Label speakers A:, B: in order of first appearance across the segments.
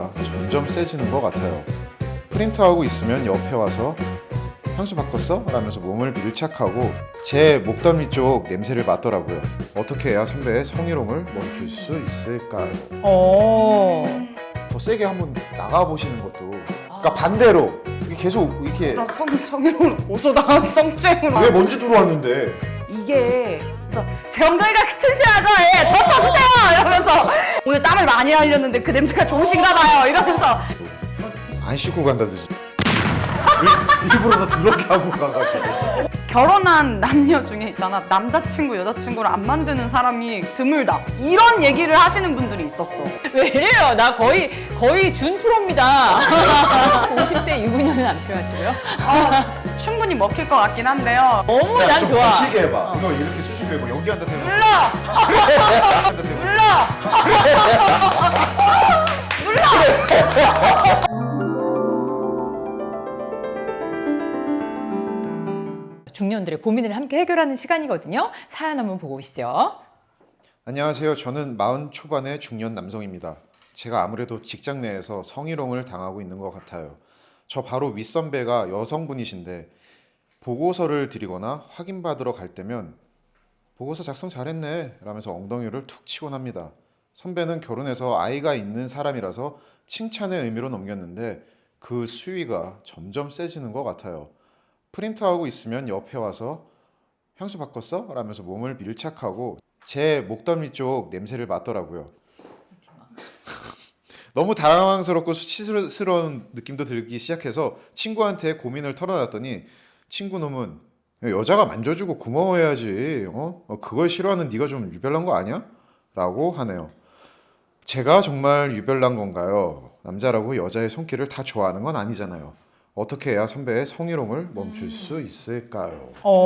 A: 점점 세지는 것 같아요. 프린트하고 있으면 옆에 와서 향수 바꿨어? 라면서 몸을 밀착하고 제 목덜미 쪽 냄새를 맡더라고요. 어떻게 해야 선배의 성희롱을 멈출 수 있을까요? 더 세게 한번 나가보시는 것도, 그러니까 반대로 이게 계속 이렇게
B: 나 성희롱을 어디서 나간 성추행으로
A: 왜 먼지 들어왔는데
B: 이게 그래서 제 엉덩이가 튼실하죠? 예, 더 쳐주세요! 이러면서 오늘 땀을 많이 흘렸는데 그 냄새가 좋으신가 봐요 이러면서
A: 안 씻고 간다든지 일부러 더 더럽게 하고 가가지고.
B: 결혼한 남녀 중에 있잖아 남자친구 여자친구를 안 만드는 사람이 드물다 이런 얘기를 하시는 분들이 있었어.
C: 왜 이래요? 나 거의 준 프로입니다. 50대 유부녀는 안 필요하시고요.
B: 충분히 먹힐 것 같긴 한데요.
C: 너무 난
A: 좀
C: 좋아.
A: 거시게 해봐. 이거 이렇게 수줍게 해봐. 연기한다 생각.
B: 눌러!
A: 연기한다 생각.
B: 눌러!
C: 중년들의 고민을 함께 해결하는 시간이거든요. 사연 한번 보고 오시죠.
A: 안녕하세요. 저는 40 초반의 중년 남성입니다. 제가 아무래도 직장 내에서 성희롱을 당하고 있는 것 같아요. 저 바로 윗선배가 여성분이신데 보고서를 드리거나 확인받으러 갈 때면 보고서 작성 잘했네 라면서 엉덩이를 툭 치곤 합니다. 선배는 결혼해서 아이가 있는 사람이라서 칭찬의 의미로 넘겼는데 그 수위가 점점 세지는 것 같아요. 프린트하고 있으면 옆에 와서 향수 바꿨어? 라면서 몸을 밀착하고 제 목덜미 쪽 냄새를 맡더라고요. 너무 당황스럽고 수치스러운 느낌도 들기 시작해서 친구한테 고민을 털어놨더니 친구 놈은 여자가 만져주고 고마워해야지. 그걸 싫어하는 네가 좀 유별난 거 아니야? 라고 하네요. 제가 정말 유별난 건가요? 남자라고 여자의 손길을 다 좋아하는 건 아니잖아요. 어떻게 해야 선배의 성희롱을 멈출 수 있을까요?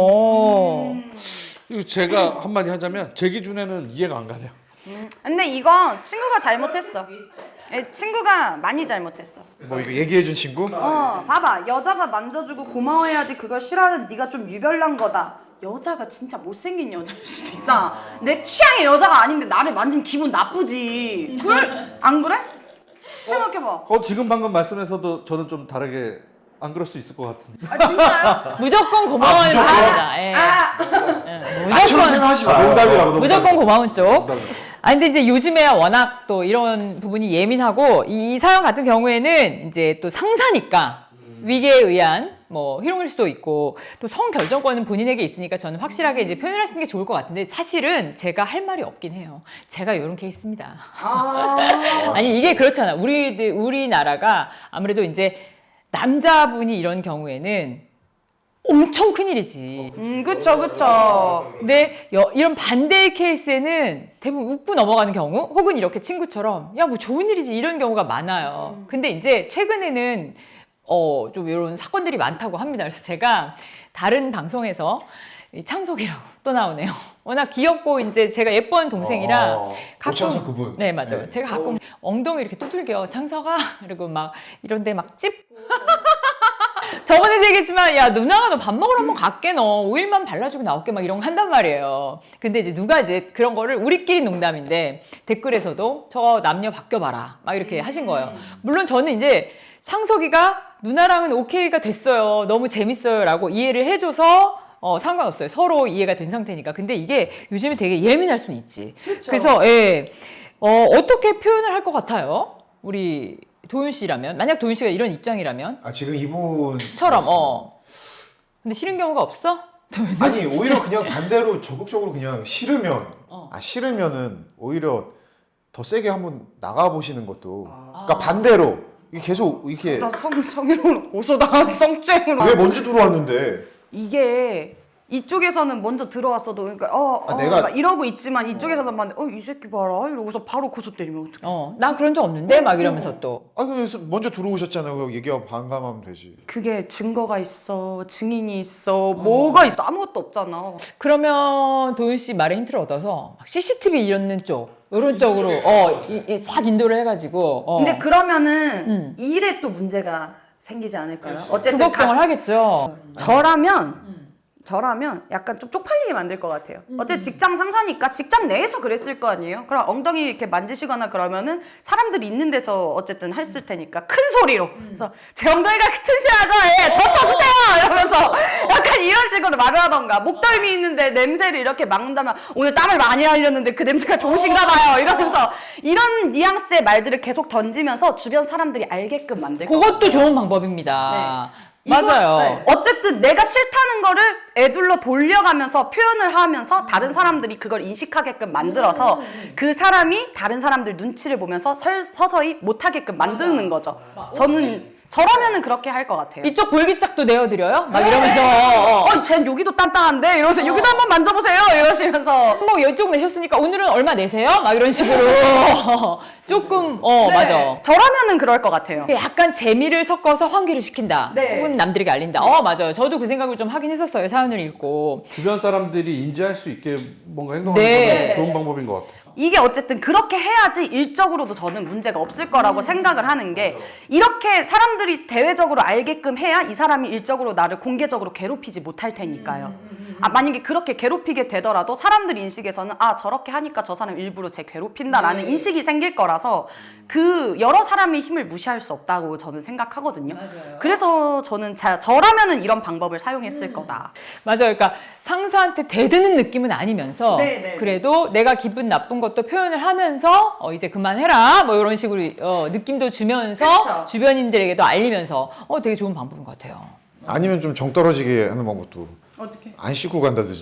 D: 이거 제가 한마디 하자면 제 기준에는 이해가 안 가네요.
B: 근데 이건 친구가 잘못했어. 예, 친구가 많이 잘못했어.
A: 뭐 이거 얘기해준 친구?
B: 봐봐. 여자가 만져주고 고마워해야지 그걸 싫어하는 네가 좀 유별난 거다. 여자가 진짜 못생긴 여자일 수도 있잖아. 내 취향의 여자가 아닌데 나를 만지면 기분 나쁘지. 그래? 안 그래? 생각해봐.
D: 지금 방금 말씀에서도 저는 좀 다르게 안 그럴 수 있을 것 같은데.
B: 아 진짜요?
C: 무조건 고마워하는 사람이다. 예.
A: 나처럼 생각하지 마.
D: 농담이라고.
C: 무조건 고마운 쪽. 근데 이제 요즘에 워낙 또 이런 부분이 예민하고 이 사연 같은 경우에는 이제 또 상사니까 위계에 의한 뭐 희롱일 수도 있고 또 성결정권은 본인에게 있으니까 저는 확실하게 이제 표현을 하시는 게 좋을 것 같은데 사실은 제가 할 말이 없긴 해요. 제가 이런 케이스입니다. 아니 이게 그렇잖아. 우리나라가 아무래도 이제 남자분이 이런 경우에는 엄청 큰일이지.
B: 그쵸 그쵸.
C: 근데 이런 반대의 케이스에는 대부분 웃고 넘어가는 경우 혹은 이렇게 친구처럼 야 뭐 좋은 일이지 이런 경우가 많아요. 근데 이제 최근에는 좀 이런 사건들이 많다고 합니다. 그래서 제가 다른 방송에서 창석이라고 또 나오네요. 워낙 귀엽고 이제 제가 예쁜 동생이라
A: 오창석 그분.
C: 네 맞아요.
A: 네.
C: 제가 가끔 엉덩이 이렇게 두들겨 창석아 그리고 막 이런데 막 찝고 저번에도 얘기했지만 야 누나가 너 밥 먹으러 한번 갈게 너 오일만 발라주고 나올게 막 이런 거 한단 말이에요. 근데 이제 누가 이제 그런 거를 우리끼리 농담인데 댓글에서도 저 남녀 바뀌어봐라 막 이렇게 하신 거예요. 물론 저는 이제 창석이가 누나랑은 오케이가 됐어요. 너무 재밌어요 라고 이해를 해줘서 상관없어요. 서로 이해가 된 상태니까. 근데 이게 요즘에 되게 예민할 수는 있지.
B: 그쵸.
C: 그래서 예, 어떻게 표현을 할 것 같아요? 우리 도윤 씨라면 만약 도윤 씨가 이런 입장이라면
A: 지금 이분
C: 처럼 근데 싫은 경우가 없어?
A: 아니 오히려 그냥 반대로 적극적으로 그냥 싫으면 싫으면은 오히려 더 세게 한번 나가보시는 것도, 그러니까 반대로 이게 계속 이렇게
B: 나 성희롱을 어디서 나간 성추행으로
A: 왜 먼지 들어왔는데
B: 이게 이쪽에서는 먼저 들어왔어도 그러니까
A: 내가
B: 막 이러고 있지만 이쪽에서는 막 이 새끼 봐라 이러고서 바로 고소 때리면 어떡해.
C: 나 그런 적 없는데 막 이러면서 또
A: 그래서 먼저 들어오셨잖아요. 얘기하고 반감하면 되지.
B: 그게 증거가 있어 증인이 있어 뭐가 있어 아무것도 없잖아.
C: 그러면 도윤 씨 말에 힌트를 얻어서 막 CCTV 이런 쪽 이런 쪽으로 싹 인도를 해가지고
B: 근데 그러면은 이 일에 또 문제가 생기지 않을까요?
C: 그
B: 어쨌든
C: 걱정을 하겠죠.
B: 저라면 저라면 약간 좀 쪽팔리게 만들 것 같아요. 어째 직장 상사니까 직장 내에서 그랬을 거 아니에요? 그럼 엉덩이 이렇게 만지시거나 그러면은 사람들이 있는 데서 어쨌든 했을 테니까 큰 소리로. 그래서 제 엉덩이가 튼실하죠? 예, 더 쳐주세요! 이러면서 약간 이런 식으로 말을 하던가. 목덜미 있는데 냄새를 이렇게 막는다면 오늘 땀을 많이 흘렸는데 그 냄새가 좋으신가 봐요. 이러면서 이런 뉘앙스의 말들을 계속 던지면서 주변 사람들이 알게끔 만들 것
C: 그것도 좋은 방법입니다.
B: 이거-
C: 맞아요.
B: 네. 어쨌든 내가 싫다는 거를 애둘러 돌려가면서 표현을 하면서 다른 사람들이 그걸 인식하게끔 만들어서 그 사람이 다른 사람들 눈치를 보면서 서서히 못하게끔 만드는 거죠. 저라면은 그렇게 할 것 같아요.
C: 이쪽 볼기짝도 내어드려요? 막 이러면서
B: 쟨 여기도 단단한데? 이러면서 여기도 한번 만져보세요! 이러시면서.
C: 뭐 이쪽 내셨으니까 오늘은 얼마 내세요? 막 이런 식으로 조금
B: 네.
C: 맞아.
B: 저라면은 그럴 것 같아요.
C: 약간 재미를 섞어서 환기를 시킨다.
B: 네.
C: 혹은 남들에게 알린다. 맞아요. 저도 그 생각을 좀 하긴 했었어요. 사연을 읽고.
D: 주변 사람들이 인지할 수 있게 뭔가 행동하는
C: 네.
D: 건 좋은 방법인 것 같아요.
B: 이게 어쨌든 그렇게 해야지 일적으로도 저는 문제가 없을 거라고 생각을 하는 게 이렇게 사람들이 대외적으로 알게끔 해야 이 사람이 일적으로 나를 공개적으로 괴롭히지 못할 테니까요. 만약에 그렇게 괴롭히게 되더라도 사람들 인식에서는 저렇게 하니까 저 사람 일부러 쟤 괴롭힌다라는 인식이 생길 거라서 그 여러 사람의 힘을 무시할 수 없다고 저는 생각하거든요.
C: 맞아요.
B: 그래서 저는 저라면은 이런 방법을 사용했을 거다.
C: 맞아요. 그러니까 상사한테 대드는 느낌은 아니면서
B: 네, 네.
C: 그래도 내가 기분 나쁜 것도 표현을 하면서 이제 그만해라 뭐 이런 식으로 느낌도 주면서
B: 그쵸.
C: 주변인들에게도 알리면서 되게 좋은 방법인 것 같아요.
A: 아니면 좀 정 떨어지게 하는 방법도
B: 어떻게?
A: 안 씻고 간다든지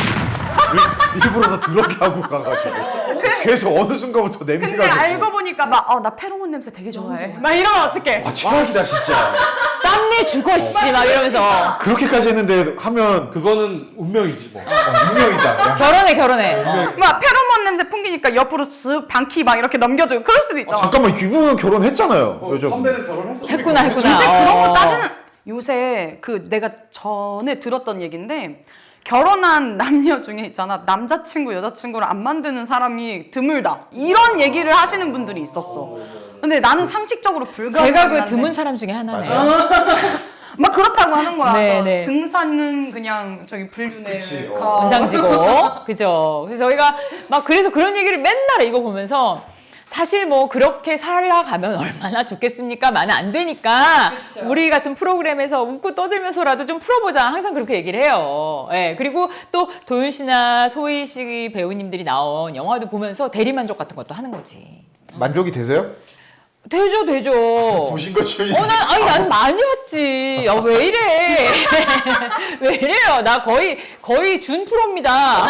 A: 일부러 더 더럽게 하고 가가지고 계속 어느 순간부터 냄새가
B: 근데
A: 나고.
B: 알고 보니까 나 페로몬 냄새 되게 좋아해. 막 이러면 어떡해?
A: 와 최악이다 진짜.
C: 땀내 죽어 씨 막 이러면서
A: 그렇게까지 했는데 하면
D: 그거는 운명이지 뭐.
A: 운명이다.
C: 결혼해.
B: 막 페로몬 냄새 풍기니까 옆으로 쓱 방키 막 이렇게 넘겨주고 그럴 수도 있잖아.
A: 잠깐만 이분은 결혼했잖아요. 요즘.
D: 선배는 결혼했어.
C: 했구나.
B: 요새 그런 거 따지는 요새 내가 전에 들었던 얘긴데 결혼한 남녀 중에 있잖아 남자친구 여자친구를 안 만드는 사람이 드물다 이런 얘기를 하시는 분들이 있었어. 근데 나는 상식적으로 불가능한데
C: 제가 그 드문 사람 중에 하나네요.
B: 막 그렇다고 하는 거야.
C: 네,
B: 그래서
C: 네.
B: 등산은 그냥 저기 불륜에
A: 그치,
C: 원상지고 그죠. 그래서 저희가 막 그래서 그런 얘기를 맨날 이거 보면서 사실 뭐 그렇게 살아가면 얼마나 좋겠습니까? 많은 안 되니까 우리 같은 프로그램에서 웃고 떠들면서라도 좀 풀어보자. 항상 그렇게 얘기를 해요. 예. 그리고 또 도윤 씨나 소희 씨 배우님들이 나온 영화도 보면서 대리만족 같은 것도 하는 거지.
A: 만족이 되세요?
C: 되죠.
A: 보신 것처럼.
C: 난 많이 왔지. 왜 이래? 왜 이래요? 나 거의 준 프로입니다.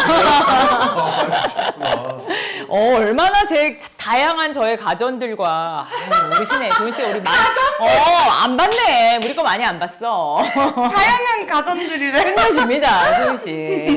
C: 얼마나 제 다양한 저의 가전들과 우리 신혜, 도윤 씨 우리 많이 안 봤네. 우리 거 많이 안 봤어.
B: 다양한 가전들이래.
C: 끝내줍니다, 도윤 씨.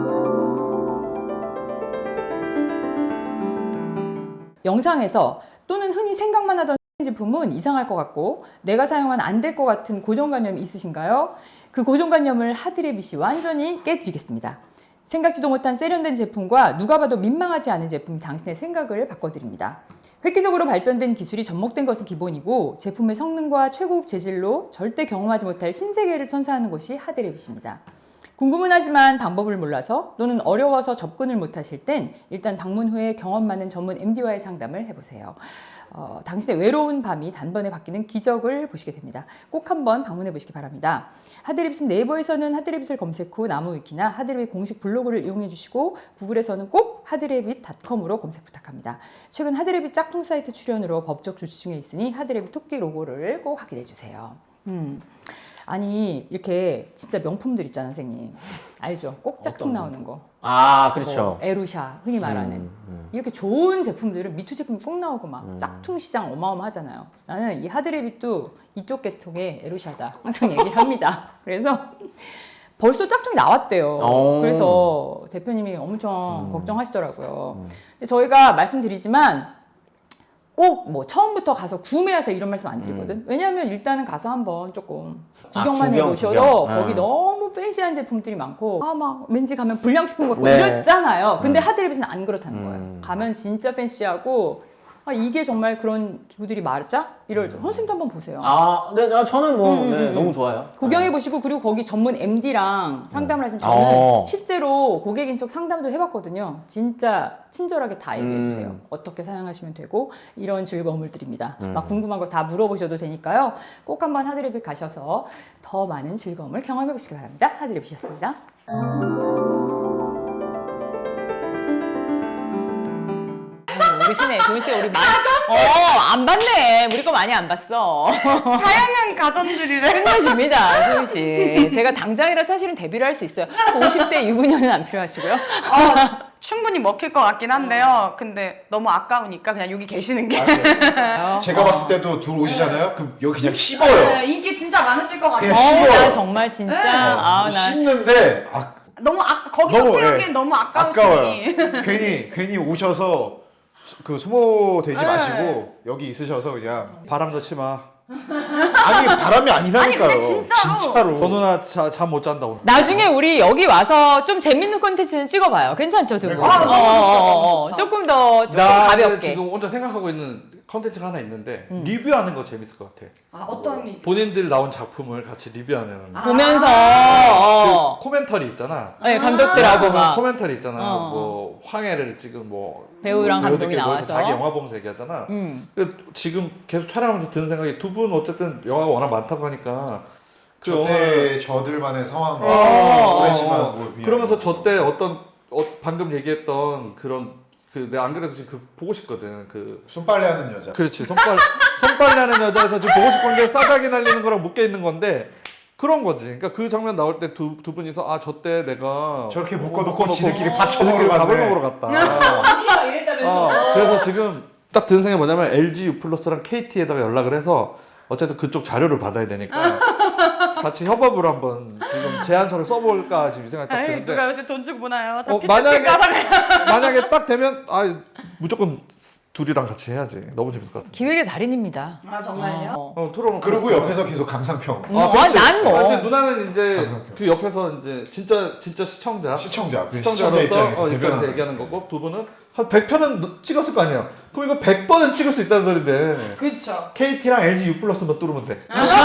C: 영상에서 또는 흔히 생각만 하던 제품은 이상할 것 같고 내가 사용하면 안 될 것 같은 고정관념이 있으신가요? 그 고정관념을 하드레빗이 완전히 깨드리겠습니다. 생각지도 못한 세련된 제품과 누가 봐도 민망하지 않은 제품이 당신의 생각을 바꿔드립니다. 획기적으로 발전된 기술이 접목된 것은 기본이고 제품의 성능과 최고급 재질로 절대 경험하지 못할 신세계를 선사하는 것이 하드레빗입니다. 궁금은 하지만 방법을 몰라서 또는 어려워서 접근을 못하실 땐 일단 방문 후에 경험 많은 전문 MD와의 상담을 해보세요. 당신의 외로운 밤이 단번에 바뀌는 기적을 보시게 됩니다. 꼭 한번 방문해 보시기 바랍니다. 하드레빗은 네이버에서는 하드레빗을 검색 후 나무위키나 하드레빗 공식 블로그를 이용해 주시고 구글에서는 꼭 하드레빗.com으로 검색 부탁합니다. 최근 하드레빗 짝퉁 사이트 출연으로 법적 조치 중에 있으니 하드레빗 토끼 로고를 꼭 확인해 주세요. 아니 이렇게 진짜 명품들 있잖아 선생님 알죠? 꼭 짝퉁 나오는 거
E: 그렇죠.
C: 뭐 에루샤 흔히 말하는 이렇게 좋은 제품들은 미투 제품이 꼭 나오고 막 짝퉁 시장 어마어마하잖아요. 나는 이 하드레빗도 이쪽 계통의 에루샤다 항상 얘기를 합니다. 그래서 벌써 짝퉁이 나왔대요. 그래서 대표님이 엄청 걱정하시더라고요. 근데 저희가 말씀드리지만 꼭 뭐 처음부터 가서 구매하세요 이런 말씀 안 드리거든. 왜냐하면 일단은 가서 한번 조금 구경만 해보셔도 거기 너무 팬시한 제품들이 많고 막 왠지 가면 불량식품 같고
E: 네.
C: 이랬잖아요. 근데 하드레빗은 안 그렇다는 거예요. 가면 진짜 팬시하고 이게 정말 그런 기구들이 맞아? 이럴 줄. 선생님도 한번 보세요.
E: 네, 저는 뭐 네, 너무 좋아요.
C: 구경해 보시고 그리고 거기 전문 MD랑 상담을 하신 저는 실제로 고객 인척 상담도 해봤거든요. 진짜 친절하게 다 얘기해 주세요. 어떻게 사용하시면 되고 이런 즐거움을 드립니다. 막 궁금한 거 다 물어보셔도 되니까요. 꼭 한번 하드레빗 가셔서 더 많은 즐거움을 경험해 보시기 바랍니다. 하드레빗이었습니다. 모르시네. 도훈 씨 우리 많이 안 봤네. 우리 거 많이 안 봤어.
B: 다양한 가전들이래.
C: 끝내줍니다, 도훈 씨. 제가 당장이라 사실은 데뷔를 할 수 있어요. 50대 유부녀는 안 필요하시고요.
B: 충분히 먹힐 것 같긴 한데요. 근데 너무 아까우니까 그냥 여기 계시는 게.
A: 제가 봤을 때도 들어오시잖아요. 그럼 여기 그냥 씹어요.
B: 네, 인기 진짜 많으실 것 같아요.
A: 그냥 씹어요.
C: 나 정말 진짜. 나
A: 씹는데
B: 너무 거기 태우기엔 너무 아까우시니.
A: 괜히 오셔서 그 소모되지 마시고 여기 있으셔서 그냥
D: 바람 넣지 마.
A: 아니 바람이 아니라니까요.
B: 아니, 근데 진짜로.
D: 저 누나 잠 못 잔다 오늘.
C: 나중에 우리 여기 와서 좀 재밌는 콘텐츠는 찍어봐요. 괜찮죠, 두 분?
B: 너무 좋죠.
C: 조금 더
D: 나
C: 가볍게.
D: 지금 혼자 생각하고 있는 컨텐츠가 하나 있는데 리뷰하는 거 재밌을 것 같아.
B: 어떤 리
D: 본인들 나온 작품을 같이 리뷰하는
C: 보면서
D: 그 코멘터리 있잖아.
C: 네, 감독들하고 막
D: 코멘터리 있잖아. 뭐 황해를 지금 뭐
C: 배우랑 감독이
D: 배우들끼리 모여서
C: 나와서.
D: 자기 영화 보면서 얘기하잖아. 근데 지금 계속 촬영하면서 드는 생각이 두 분 어쨌든 영화가 워낙 많다고 하니까 그
A: 저때 저들만의 상황과 그렇지만 뭐
D: 그러면서 저때 방금 얘기했던 그런 내가 안 그래도 지금 보고 싶거든.
A: 손빨래하는 여자.
D: 그렇지. 손빨래하는 여자에서 지금 보고 싶은 게 싸가기 날리는 거랑 묶여 있는 건데 그런 거지. 그러니까 그 장면 나올 때 두 분이서 저 때 내가
A: 저렇게 묶어놓고 지들끼리 밥 처먹으러
D: 밥을
A: 갔네.
D: 먹으러 갔다.
C: 이랬다면서.
D: 그래서 지금 딱 드는 생각이 뭐냐면 LG U+랑 KT에다가 연락을 해서 어쨌든 그쪽 자료를 받아야 되니까 같이 협업을 한번 지금 제안서를 써볼까 지금 생각이 딱 드는데
B: 누가 요새 돈 주고 보나요?
D: 만약에 딱 되면 무조건 둘이랑 같이 해야지. 너무 재밌을 것 같아.
C: 기획의 달인입니다.
B: 정말요?
D: 토론은
A: 그리고 옆에서 계속 감상평.
D: 그렇지.
C: 난 뭐.
D: 근데 누나는 이제
A: 감상평.
D: 그 옆에서 이제 진짜 시청자
A: 시청자
D: 시청자로서
A: 입장에서
D: 입장에서
A: 대변하는.
D: 얘기하는 거고 두 분은 한 100편은 찍었을 거 아니야. 그럼 이거 100번은 찍을 수 있다는 소리인데
B: 그쵸.
D: KT랑 LG U+만 뚫으면 돼.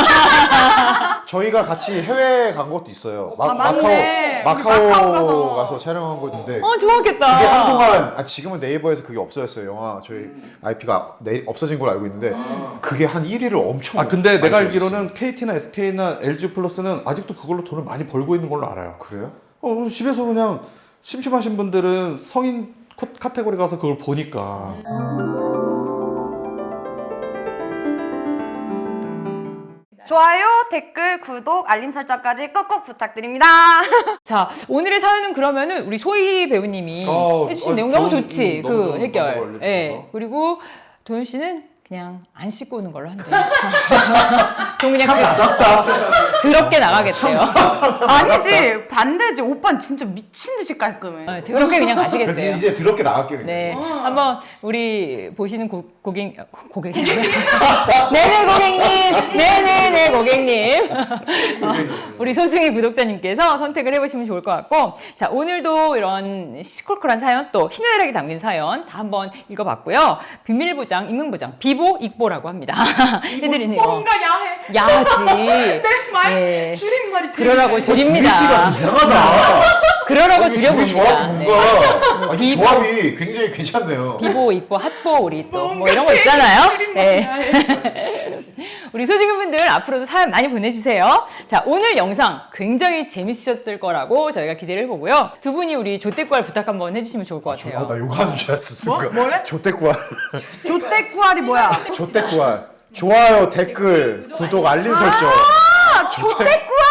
A: 저희가 같이 해외 간 것도 있어요.
B: 맞네. 우리
A: 마카오
B: 마카오
A: 가서 촬영한 거 있는데
C: 좋았겠다.
A: 그게 한동안 지금은 네이버에서 그게 없어졌어요. 영화 저희 IP가 없어진 걸로 알고 있는데 그게 한 1위를 엄청
D: 근데
A: 많이
D: 내가
A: 찍었어요.
D: 알기로는 KT나 SK나 LG U+는 아직도 그걸로 돈을 많이 벌고 있는 걸로 알아요.
A: 그래요?
D: 집에서 그냥 심심하신 분들은 성인 카테고리 가서 그걸 보니까.
B: 좋아요, 댓글, 구독, 알림 설정까지 꾹꾹 부탁드립니다.
C: 자, 오늘의 사연은 그러면은 우리 소희 배우님이 해주신 내용 너무 좋지.
D: 너무
C: 그
D: 좋은
C: 해결.
D: 방법을
C: 예.
D: 알려주셔서.
C: 그리고 도현 씨는 그냥 안 씻고 오는 걸로 한대요. 좀 그냥 더럽게 나가겠대요.
B: 아니지, 반대지. 오빠는 진짜 미친 듯이 깔끔해.
C: 더럽게 그냥
A: 그래서
C: 가시겠대요.
A: 이제 더럽게 나갈게 그냥.
C: 네, 한번 우리 보시는 고객님, 네네 고객님, 네네네 고객님, 우리 소중히 구독자님께서 선택을 해보시면 좋을 것 같고, 자 오늘도 이런 시끌끌한 사연 또 희노애락이 담긴 사연 다 한번 읽어봤고요. 비밀보장, 익명보장, 비보, 익보라고 합니다. 해드리는 거.
B: 뭔가 야해.
C: 야하지.
B: 내 말,
C: 네.
B: 줄임말이 되게
C: 그러라고 줄입니다.
A: 이상하다.
C: 그러라고
A: 둘이 조합이
C: 줄여봅니다. 네.
A: 뭔가 이
C: 비보.
A: 조합이 굉장히 괜찮네요.
C: 비보, 익보, 핫보 우리 또 뭐
B: 뭔가
C: 이런 거
B: 되게
C: 있잖아요.
B: 줄임말이
C: 네.
B: 야해.
C: 우리 소중한 분들 앞으로도 사연 많이 보내주세요. 자 오늘 영상 굉장히 재밌으셨을 거라고 저희가 기대를 해보고요. 두 분이 우리 조태구알 부탁 한번 해주시면 좋을 것 같아요.
A: 나 욕하는 줄 알았어. 순간.
B: 뭐래?
A: 조태구알.
B: 조태구알이 뭐야?
A: 조태구알. 좋아요, 댓글, 구독, 알림 설정.
B: 조태구알!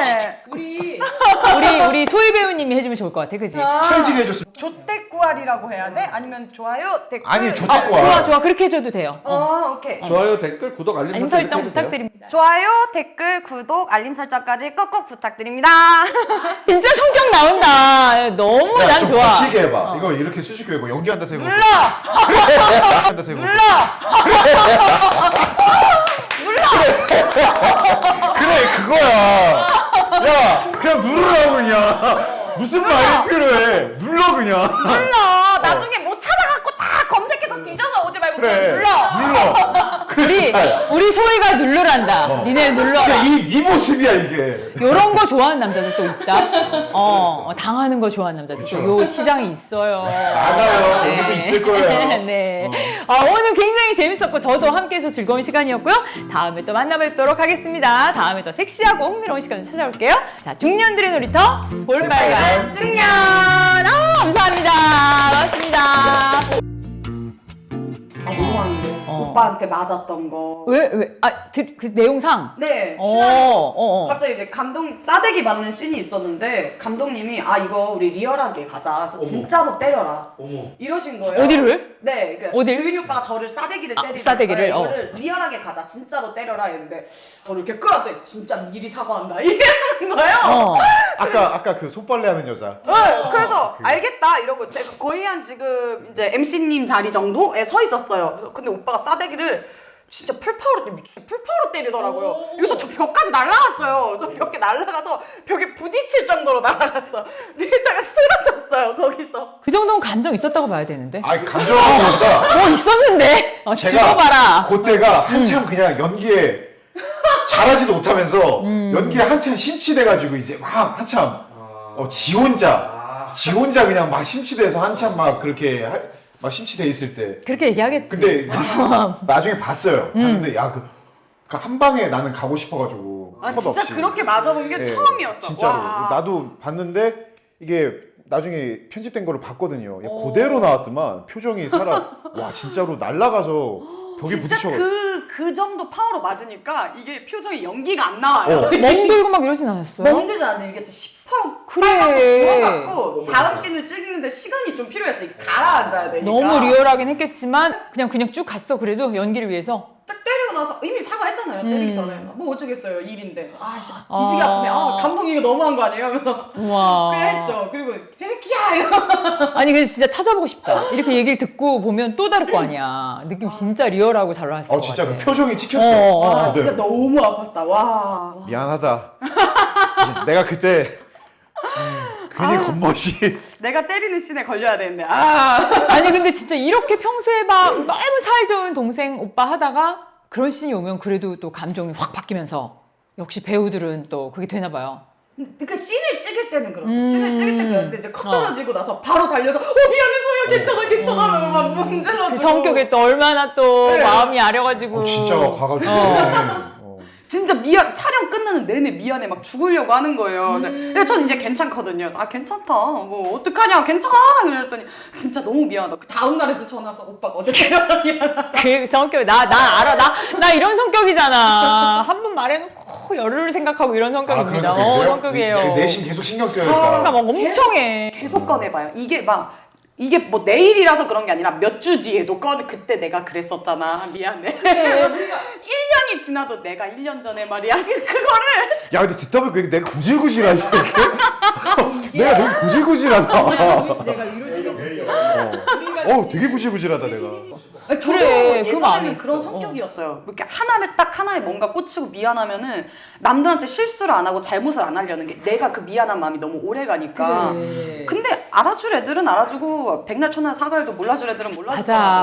C: 우리 소희 배우님이 해주면 좋을 것 같아, 그지?
A: 찰지게 해줬으면.
B: 조태구알이라고 해야 돼? 아니면 좋아요, 댓글?
A: 아니, 조태구알.
C: 좋아 좋아 그렇게 해줘도 돼요.
B: 오케이.
D: 좋아요, 댓글, 구독, 알림
C: 알림
D: 설정
C: 설정
D: 해주세요.
C: 부탁드립니다.
B: 좋아요, 댓글, 구독, 알림 설정까지 꾹꾹 부탁드립니다.
C: 진짜 성격 나온다. 너무
A: 야,
C: 난
A: 좀
C: 좋아.
A: 거칠게 해봐. 이거 이렇게 수줍게 하고 연기한다 세고.
B: 눌러!
A: 연기한다 세고.
B: 눌러!
A: 그래, 그거야. 야, 그냥 누르라고 그냥. 무슨 말이 필요해. 눌러 그냥.
B: 눌러! 나중에 못 찾아갖고 다 검색해서 뒤져서 오지 말고
A: 그래. 눌러. 그래
C: 우리
A: 좋다.
C: 우리 소희가 누르란다. 니네 눌러라.
A: 네 모습이야 이게.
C: 요런 거 좋아하는 남자들 또 있다. 당하는 거 좋아하는 남자들 또 요 시장이 있어요.
A: 알아요. 여기도 있을 거예요.
C: 네. 오늘 굉장히 재밌었고 저도 함께해서 즐거운 시간이었고요. 다음에 또 만나뵙도록 하겠습니다. 다음에 더 섹시하고 흥미로운 시간을 찾아올게요. 자, 중년들의 놀이터 볼빨간 중년. 감사합니다. 고맙습니다.
B: 너무 많은데. 오빠한테 맞았던 거.
C: 왜? 그 내용상.
B: 네. 갑자기 이제 감독 싸대기 맞는 씬이 있었는데 감독님이 이거 우리 리얼하게 가자. 그래서 진짜로 때려라. 이러신 거예요.
C: 어디를?
B: 네, 그러니까
C: 어딜?
B: 도윤이 오빠가 저를 싸대기를 때리는
C: 싸대기를?
B: 이거를 리얼하게 가자. 진짜로 때려라 했는데 저를 이렇게 끌어더니 진짜 미리 사과한다 이러는 거예요.
A: 아까 그 손빨래 하는 여자.
B: 네, 그래서 알겠다 이러고 제가 거의 한 지금 이제 MC님 자리 정도에 서 있었어요. 근데 오빠가 싸대기를 진짜 풀파워로 때리더라고요. 여기서 저 벽까지 날아갔어요. 저 벽에 날아가서 벽에 부딪힐 정도로 날아갔어. 일자가 쓰러졌어요 거기서.
C: 그 정도는 감정 있었다고 봐야 되는데.
A: 아니 감정보다
C: 있었는데. 죽어봐라.
A: 그때가 한참 그냥 연기에 잘하지도 못하면서 연기에 한참 심취돼가지고 이제 막 한참 지 혼자 그냥 막 심취돼서 한참 막 그렇게 막 심취돼 있을 때.
C: 그렇게 얘기하겠지.
A: 근데 나중에 봤어요. 봤는데 그 한 방에 나는 가고 싶어가지고 컷
B: 진짜
A: 없이.
B: 그렇게 맞아본 게 처음이었어.
A: 진짜로.
B: 와.
A: 나도 봤는데 이게 나중에 편집된 거를 봤거든요. 그대로 나왔더만 표정이 와 진짜로 날아가서 벽에
B: 진짜
A: 부딪혀.
B: 그 정도 파워로 맞으니까 이게 표정이 연기가 안 나와요.
C: 멍들고 막 이러진 않았어요?
B: 멍들지 않는데 이게 시퍼렇고
C: 그래.
B: 부어갖고 다음 씬을 찍는데 시간이 좀 필요했어. 이게 가라앉아야 되니까.
C: 너무 리얼하긴 했겠지만 그냥 쭉 갔어. 그래도 연기를 위해서.
B: 딱 때리고 나서 이미 사과했잖아요. 때리기 전에. 뭐 어쩌겠어요. 일인데. 뒤지게 아프네. 감독이 이거 너무한 거 아니에요? 하면서
C: 우와.
B: 그래 했죠. 그리고 개새끼야 이러고.
C: 아니 근데 진짜 찾아보고 싶다. 이렇게 얘기를 듣고 보면 또 다를 거 아니야. 느낌 진짜 리얼하고 잘 나왔을 것
A: 진짜
C: 같아.
A: 그 표정이 찍혔어.
B: 와 진짜 너무 아팠다. 와.
A: 미안하다. 내가 그때 괜히 겉멋이.
B: 내가 때리는 씬에 걸려야 되는데.
C: 아니 근데 진짜 이렇게 평소에 막 너무 사이좋은 동생 오빠 하다가 그런 씬이 오면 그래도 또 감정이 확 바뀌면서 역시 배우들은 또 그게 되나 봐요.
B: 그러니까 씬을 찍을 때는 그렇죠. 씬을 찍을 때 그런데 이제 컷 떨어지고 나서 바로 달려서 미안해 소희야 괜찮아 하면 막 문질러주고.
C: 그 성격에 또 얼마나 또
B: 그래.
C: 마음이 아려가지고.
A: 진짜 가가지고.
B: 진짜 촬영 끝나는 내내 미안해 막 죽으려고 하는 거예요. 근데 전 이제 괜찮거든요. 그래서 괜찮다. 뭐 어떡하냐 괜찮아. 그랬더니 진짜 너무 미안하다. 그 다음 날에도 전화 와서 오빠가 어제 때려서 미안하다.
C: 그 성격 나 알아. 나 이런 성격이잖아. 한 번 말해놓고 열흘을 생각하고 이런 성격입니다. 성격이에요.
A: 내심 계속 신경 써야니까.
C: 생각 막 엄청 해.
B: 계속 꺼내봐요. 이게 뭐 내일이라서 그런 게 아니라 몇 주 뒤에도 그때 내가 그랬었잖아. 미안해. 1년이 지나도 내가 1년 전에 말이야. 그거를.
A: 야 근데 듣다 보니까 내가 구질구질하지 이렇게. 내가 되게 구질구질하다.
C: 내가 이러지로
A: 되게 구질구질하다 내가.
B: 저도
C: 그래, 그 마음이
B: 예전에는
C: 있어.
B: 그런 성격이었어요. 이렇게 하나에 뭔가 꽂히고 미안하면은 남들한테 실수를 안 하고 잘못을 안 하려는 게 내가 그 미안한 마음이 너무 오래 가니까.
C: 그래.
B: 근데 알아줄 애들은 알아주고 백날 천날 사과해도 몰라줄 애들은 몰라주고.
C: 맞아.